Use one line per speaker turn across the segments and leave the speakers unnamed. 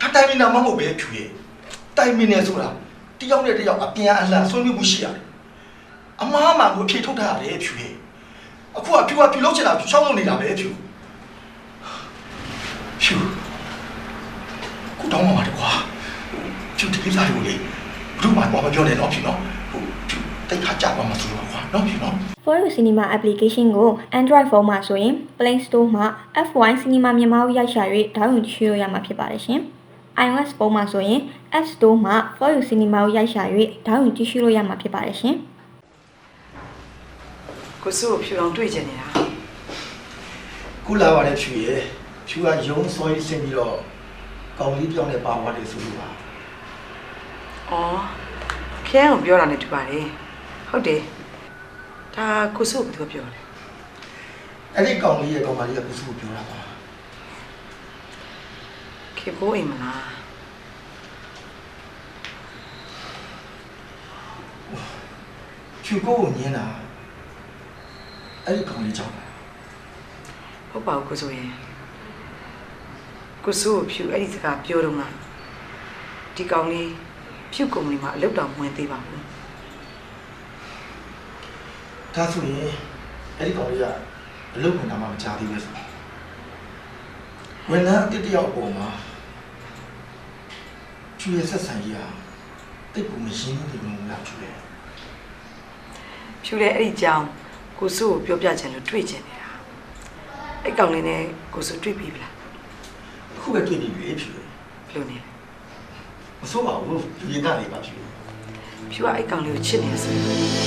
တိုင်မင်းနာမဟုတ်ပဲဖြူရဲ့တိုင်မင်းနဲ့ဆိုတာတယောက်နဲ့တယောက်အပြန်အလှန်ဆွေးနွေးမှုရှိရတယ်အမားမှကိုအဖြေထုတ်ထားရတယ်ဖြူရဲ့အခုကဖြူကဖြူလုံးချင်တာဖြူချောင်းလုံးနေတာပဲဖြူကိုတောင်းပါတယ်ကွာဖြူဒီကိစ္စတွေကိုလေဘူးမှတော့မပြောနဲ့တော့ဖြူနော်ဖြူတိတ်ခါကြပါမှဆိုတော့ကွာနော်ဖြူနော်
For You Cinema application ကို Android phone မှာဆိုရင် Play Store မှာ F1 Cinema မြန်မာကိုရိုက်ရှာ၍ဒေါင်းလုဒ်ရှိလို့ရမှာဖြစ်ပါတယ်ရှင်။ iOS ဖုန်းမှာဆိုရင် App Store မှာ For You Cinema ကိုရိုက်ရှာ၍ဒေါင်းလုဒ်ကြည့်ရှုလို့ရမှာဖြစ်ပါတယ်ရှင်
။ကိုစိုးကိုဖြူအောင်တွေ့ကြနေတာ
။ခုလာပါတဲ့ဖြူရဲ့ဖြူကရုံးစောရေးဆင်းပြီးတော့ကောင်လေးပြောင်းနေပါသွားတယ်ဆိုလို့ပါ
။အော်ခဲအောင်ပြောတာနဲ့တူပါတယ်။ဟုတ်တယ်။ဒါကိုစိုးကပြောတယ်
။အဲ့ဒီကောင်လေးရဲ့ကောင်မလေးကကိုစိုးကိုပြောတာပါ
။ခေဖို့အိမ်မလား
။ဖြူကိုညင်းတာအဲ့ဒီကောင်လေးကြောင့်
ဟုတ်ပါဘူးကိုစိုးရဲ့ကိုစိုးကိုဖြူအဲ့ဒီစကားပြောတော့ငါဒီကောင်လေးဖြူကုမ္ပဏီမှာအလုပ်တော်ဝင်သေးပါဘူး
ဒါဆိုရင်အဲ့ဒီကောင်လေးကအလုပ်ဝင်တာမှမကြားသေးပဲဆိုဝန်ထမ်းအတစ်တယောက်ပေါ်မှာဖြူရဲ့ဆက်ဆံရေးဟာတိတ်ကိုမရှင်းဘူးဒီလိုလားဖြူရဲ့
ဖြူရဲ့အဲ့ဒီကြောင်ကိုစိုးကိုပြောပြချင်လို့တွေ့ချင်နေတာအဲ့ကောင်လေးနဲ့ကိုစိုးတွေ့ပြီလား
အခုပဲတွေ့ပြီလေဖြူ
ဘယ်လိုနေလဲ
မဆိုးပါဘူးဒီကနေပါဖြူ
ဖြူကအဲ့ကောင်လေးကိုချစ်နေဆို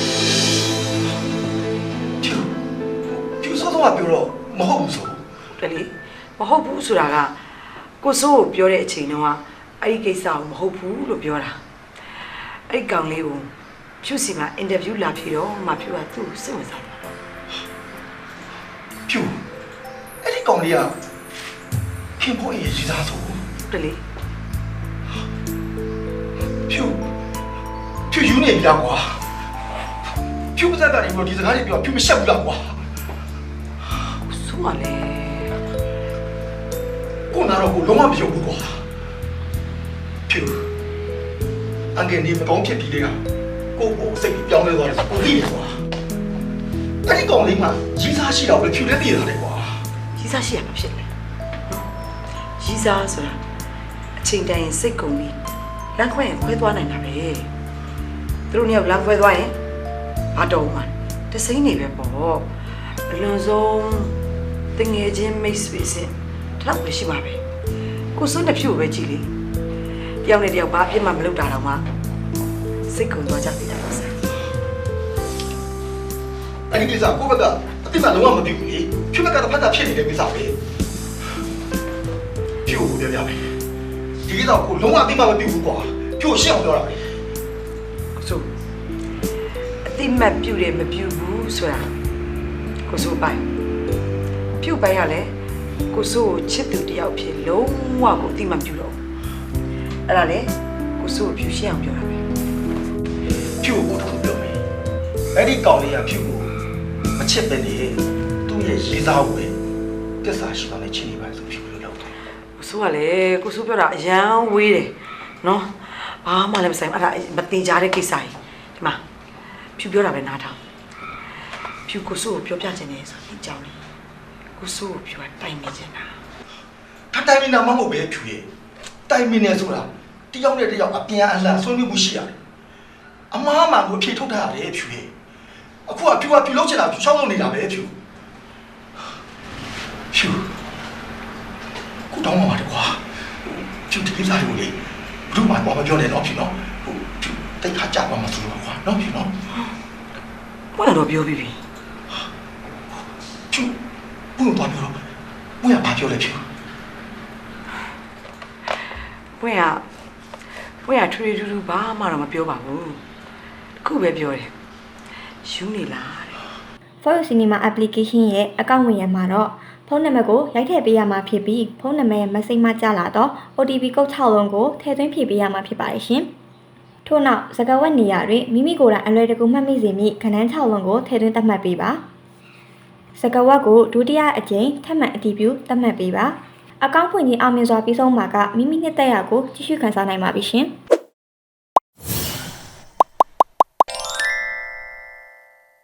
ဖြူစောစောကပြောတော့မဟုတ်ဘူးဆို
တလေမဟုတ်ဘူးဆိုတာကကိုစိုးကိုပြောတဲ့အချိန်တုန်းကအဲ့ဒီကိစ္စကိုမဟုတ်ဘူးလို့ပြောတာအဲ့ကောင်လေးကိုဖြူစီမှာအင်တာဗျူးလာဖြေတော့မှဖြူကသူ့ကိုစိတ်ဝင်စားတယ်
ဖြူအဲ့ဒီကောင်လေးကခင်ဖို့ရေးစသားဆို
တလေ
ဖြူယူနေပြီလားကွာဖြူပါဇက်ကနေပြီးတော့ဒီစကားတွေပြောဖြူမရှက်ဘူးလားကွာ
ဆိုးပါလေ
ကိုနာတော့ကိုလုံးဝမယုံဘူးကွာဖြူအငယ်နေမကောင်းဖြစ်ပြီးတဲ့ကကိုစိတ်ပြောင်းလဲသွားတယ်ကိုသိတယ်ကွာအဲ့ဒီကောင်လေးမှရီးစားရှိတော့ပဲဖြူလည်းသိရတယ်ကွာ
ရီးစားရှိရမှာဖြစ်တယ်ရီးစားဆိုတာအချိန်တိုင်းစိတ်ကုန်ပြီးလမ်းခွဲရင်ခွဲသွားနိုင်တာပဲသူတို့เนี่ยလမ်းခွဲသွားရင်ဘာတော့မှတစိမ့်နေပဲပေါ့အလွန်ဆုံးတငယ်ချင်းမိတ်ဆွေစဉ်တော့ပဲရှိမှာပဲကိုစွန်းတစ်ဖြူပဲကြည့်လေတယောက်နဲ့တယောက်ဘာအဖြစ်မှမလုပ်တာတော့မှစိတ်ကုန်သွားကြပြီလား
အဲ့ဒီကိစ္စကိုဘက်ကအတိအမှန်လုံးဝမသိဘူးလေဖြူဘက်ကတော့ဖတ်တာဖြစ်နေတဲ့ကိစ္စပဲဖြူကိုပြောပြမယ်ဒီကိစ္စကိုလုံးဝအတိအမှန်မသိဘူးကွာဖြူရှင်းအောင်ပြောတာပဲ
ဆိုအတိမတ်ပြုတယ်မပြုဘူးဆိုတာကိုစိုးပိုင်ပြုတ်ပိုင်ရလဲကိုစိုးကိုချစ်သူတယောက်ဖြစ်လုံးဝကိုအတိမတ်ပြုတော့အဲ့ဒါလေကိုစိုးကိုဖြူရှင်းအောင်ပြောတာပဲ
ဖြူကိုတော့ပြောမယ်အဲ့ဒီကောင်လေးကဖြူကိုမချစ်ပဲနေသူ့ရဲ့ရေးစားဝင်တစ္ဆာရှိတော့လည်းချစ်နေပါဆိုဖြူလို့လုပ်တယ်
ကိုစိုးကလည်းကိုစိုးပြောတာအရန်ဝေးတယ်နော်ဘာမှလည်းမဆိုင်အဲ့ဒါမတင်ကြတဲ့ကိစ္စကြီးဒီမှာဖြူပြောတာပဲနားထောင်ဖြူကိုစိုးကိုပြောပြချင်တယ်ဆိုတဲ့အကြောင်းလေးကိုစိုးကိုဖြူကတိုင်နေချင်တာ
တိုင်မင်းနာမဟုတ်ပဲဖြူရဲ့တိုင်မင်းနဲ့ဆိုတာတယောက်နဲ့တယောက်အပြန်အလှန်ဆွေးနွေးမှုရှိရတယ်အမားမှကိုအဖြေထုတ်ထားရတယ်ဖြူရဲ့အခုကဖြူလုံးချင်တာဖြူချောင်းလုံးနေတာပဲဖြူကိုတောင်းပါပါတယ်ကွာဖြူဒီကိစ္စတွေကိုလေဘူးမှတော့မပြောနဲ့တော့ဖြူနော်ဖြူတိတ်ခါကြပါမှဆိုတော့ကွာနော်ဖြူနော်
ဘာလို့ပြောပြီးပြီ
ဖြူဘူးတော့ပြောတော့ဘူးရဘာပြောလဲဖြူ
ဘွေရထူထူထူဘာမှတော့မပြောပါဘူးခုပဲပြောတယ်ယူနေလားတဲ့
For You Cinema application ရဲ့အကောင့်ဝင်ရမှာတော့ဖုန်းနံပါတ်ကိုရိုက်ထည့်ပေးရမှာဖြစ်ပြီးဖုန်းနံပါတ်ရဲ့ message မှာကြာလာတော့ OTP ကုတ်6လုံးကိုထည့်သွင်းဖြည့်ပေးရမှာဖြစ်ပါတယ်ရှင်။ထို့နောက်စကားဝတ်နေရာတွင်မိမိကိုယ်တိုင်အလွယ်တကူမှတ်မိစေမည့်ခဏန်း6လုံးကိုထည့်သွင်းသတ်မှတ်ပေးပါ။စကားဝတ်ကိုဒုတိယအကြိမ်ထပ်မံအတည်ပြုသတ်မှတ်ပေးပါ။အကောင့်ဖွင့်ခြင်းအောင်မြင်စွာပြီးဆုံးမှာကမိမိနှစ်သက်ရာကိုကြည့်ရှုခန်းစားနိုင်ပါပြီရှင်။